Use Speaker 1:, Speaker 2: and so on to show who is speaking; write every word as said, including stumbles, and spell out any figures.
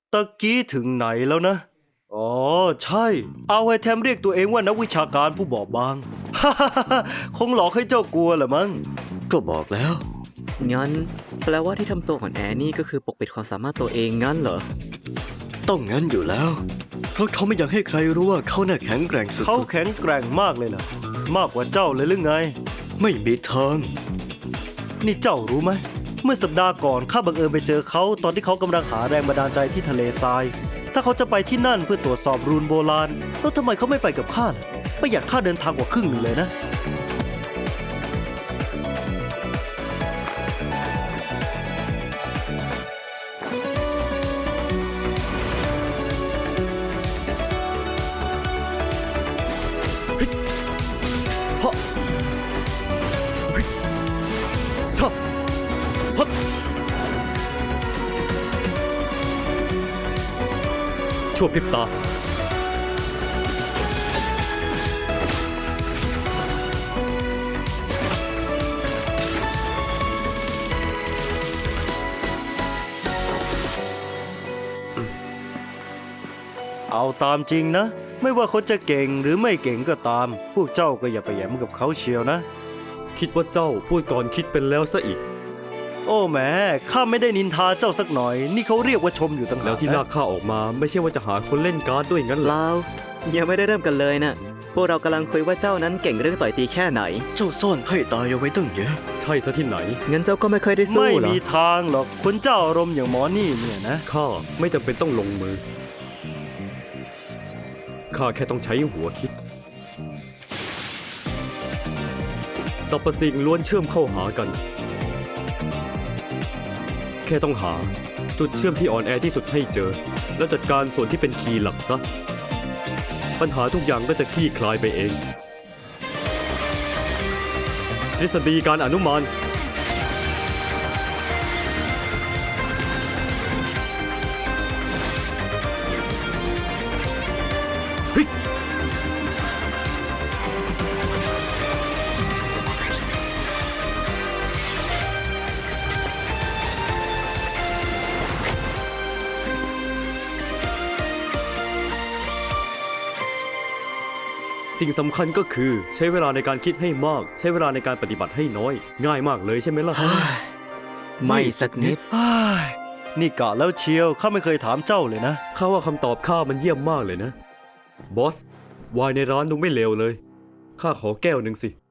Speaker 1: ตะกี้ถึงไหนแล้วนะอ๋อใช่เอาไว้แทมเรียกตัวเองว่านักวิชาการผู้บอบบาง คงหลอกให้เจ้ากลัวแหละมั้ง
Speaker 2: ก็บอกแล้ว
Speaker 3: งั้นแปลว่าที่ทำตัวของแอนนี่ก็คือปกปิดความสามารถตัวเองงั้นเหรอ
Speaker 2: ต้องงั้นอยู่แล้ว เพราะเขาไม่อยากให้ใครรู้ว่าเขาน่ะแข็งแกร่งสุ
Speaker 1: เขา
Speaker 2: ด
Speaker 1: แข็งแกร่งมากเลยล่ะ มากกว่าเจ้าเลยหรือไง
Speaker 2: ๆไม่มีทาง
Speaker 1: นี่เจ้ารู้ไหม เมื่อสัปดาห์ก่อนข้าบังเอิญไปเจอเขาตอนที่เขากำลังหาแรงบันดาลใจที่ทะเลทราย ถ้าเขาจะไปที่นั่นเพื่อตรวจสอบรูนโบราณ แล้วทำไมเขาไม่ไปกับข้าล่ะประหยัดค่าเดินทางกว่าครึ่งหนึ่งเลยนะ
Speaker 2: ฮะฮะฮะ
Speaker 1: ชั่วพริบตา เอาตามจริงนะ ไม่ว่าเขาจะเก่งหรือไม่เก่งก็ตาม พวกเจ้าก็อย่าไปแหยมกับเขาเชียวนะ
Speaker 4: คิดว่าเจ้าพูดก่อนคิดเป็นแล้วซะอีก
Speaker 1: โอ้แหมข้าไม่ได้นินทาเจ้าสักหน่อย นี่เขาเรียกว่าชมอยู่ต่างหาก
Speaker 4: แล้วที่ลากข้าออกมาไม่ใช่ว่าจะหาคนเล่นการ์ดด้วยงั้นเหรอ
Speaker 3: เรายังไม่ได้เริ่มกันเลยนะพวกเรากำลังคุยว่าเจ้านั้นเก่งเรื่องต่อยตีแค่ไหน
Speaker 2: เจ้าซ่อนไพ่ตายเอาไว้ตั้งเยอะ
Speaker 4: ใช่ซะที่ไหน
Speaker 3: งั้นเจ้าก็ไม่เคยได้สู้
Speaker 1: ไม่
Speaker 3: เหรอ
Speaker 1: มีทางหรอกคนเจ้าอารมณ์อย่างหมอนี่เนี่ยนะ
Speaker 4: ข้าไม่จำเป็นต้องลงมือ ข้าแค่ต้องใช้หัวคิดสรรพสิ่งล้วนเชื่อมเข้าหากัน แค่ต้องหาจุดเชื่อมที่อ่อนแอที่สุดให้เจอ แล้วจัดการส่วนที่เป็นคีย์หลักซะ ปัญหาทุกอย่างก็จะคลี่คลายไปเอง ทฤษฎีการอนุมาน สิ่งสำคัญก็คือใช้เวลาในการคิดให้มาก ใช้เวลาในการปฏิบัติให้น้อย ง่ายมากเลยใช่ไหมล่ะ
Speaker 3: ไม่สักนิด
Speaker 1: อ้ายนี่กะแล้วเชียวข้าไม่เคยถามเจ้าเลยนะ
Speaker 4: ข้าว่าคำตอบข้ามันเยี่ยมมากเลยนะ บอส วายในร้านดูไม่เลวเลย ข้าขอแก้วหนึ่งสิ